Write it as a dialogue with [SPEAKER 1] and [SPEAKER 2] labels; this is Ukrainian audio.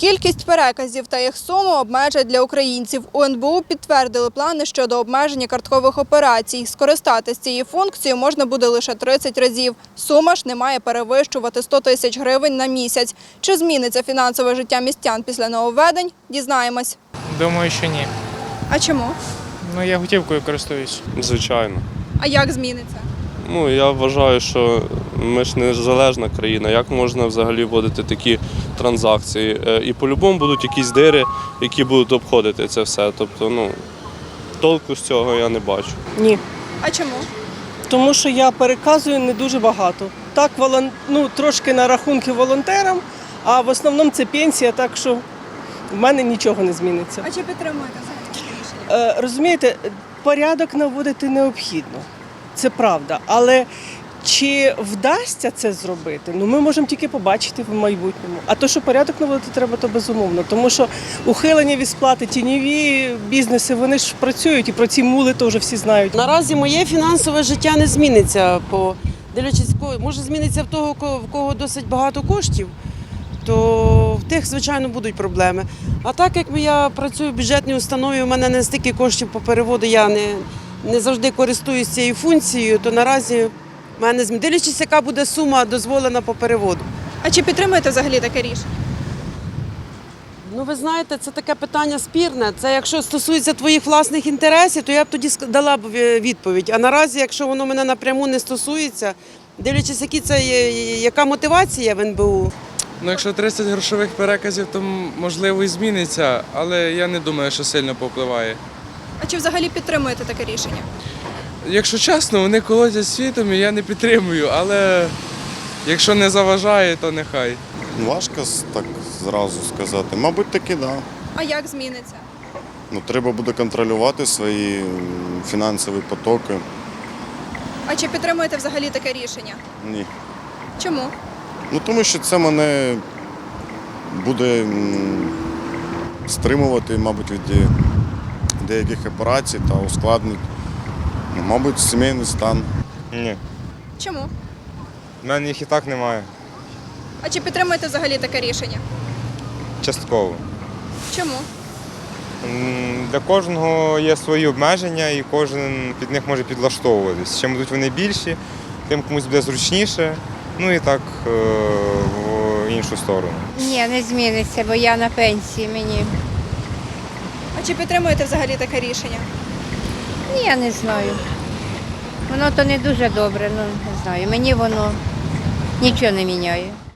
[SPEAKER 1] Кількість переказів та їх суму обмежать для українців. У НБУ підтвердили плани щодо обмеження карткових операцій. Скористатись цією функцією можна буде лише 30 разів. Сума ж не має перевищувати 100 тисяч гривень на місяць. Чи зміниться фінансове життя містян після нововведень? Дізнаємось.
[SPEAKER 2] Думаю, що ні.
[SPEAKER 1] А чому?
[SPEAKER 2] Ну, я готівкою користуюсь.
[SPEAKER 3] Звичайно.
[SPEAKER 1] А як зміниться?
[SPEAKER 3] Я вважаю, що ми ж не залежна країна. Як можна взагалі вводити такі транзакції? І по-любому будуть якісь дири, які будуть обходити це все. Тобто, толку з цього я не бачу.
[SPEAKER 4] Ні,
[SPEAKER 1] А чому?
[SPEAKER 4] тому що я переказую не дуже багато. Так, трошки на рахунки волонтерам, а в основному це пенсія, так що в мене нічого не зміниться.
[SPEAKER 1] А чи підтримуєте взагалі таке рішення?
[SPEAKER 4] Розумієте, порядок наводити необхідно, це правда, але чи вдасться це зробити, ми можемо тільки побачити в майбутньому. А то, що порядок наводити треба, то безумовно. Тому що ухилення від сплати, тіньові бізнеси, вони ж працюють, і про ці мули теж всі знають.
[SPEAKER 5] Наразі моє фінансове життя не зміниться, дивлячись, може зміниться в того, в кого досить багато коштів, то в тих, звичайно, будуть проблеми. А так як я працюю в бюджетній установі, у мене не стільки коштів по переводу, я не завжди користуюся цією функцією, то наразі в мене дивлячись, яка буде сума дозволена по переводу.
[SPEAKER 1] А чи підтримуєте взагалі таке рішення?
[SPEAKER 5] Ви знаєте, це таке питання спірне. Це якщо стосується твоїх власних інтересів, то я б тоді дала б відповідь. А наразі, якщо воно мене напряму не стосується, дивлячись, яка мотивація в НБУ.
[SPEAKER 6] Якщо 30 грошових переказів, то можливо і зміниться, але я не думаю, що сильно повпливає.
[SPEAKER 1] А чи взагалі підтримуєте таке рішення?
[SPEAKER 6] Якщо чесно, вони колотять світом і я не підтримую, але якщо не заважає, то нехай.
[SPEAKER 7] Важко так зразу сказати. Мабуть, таки, так.
[SPEAKER 1] А як зміниться?
[SPEAKER 7] Треба буде контролювати свої фінансові потоки.
[SPEAKER 1] А чи підтримуєте взагалі таке рішення?
[SPEAKER 7] Ні.
[SPEAKER 1] Чому?
[SPEAKER 7] Тому що це мене буде стримувати, мабуть, від деяких операцій та ускладнить, мабуть, сімейний стан.
[SPEAKER 8] Ні,
[SPEAKER 1] Чому?
[SPEAKER 8] в мене їх і так немає.
[SPEAKER 1] А чи підтримуєте взагалі таке рішення?
[SPEAKER 8] Частково.
[SPEAKER 1] Чому?
[SPEAKER 8] Для кожного є свої обмеження і кожен під них може підлаштовуватись. Чим будуть вони більші, тим комусь буде зручніше, і так в іншу сторону.
[SPEAKER 9] Ні, не зміниться, бо я на пенсії мені.
[SPEAKER 1] А чи підтримуєте взагалі таке рішення?
[SPEAKER 9] Ні, я не знаю. Воно то не дуже добре, не знаю. Мені воно нічого не міняє.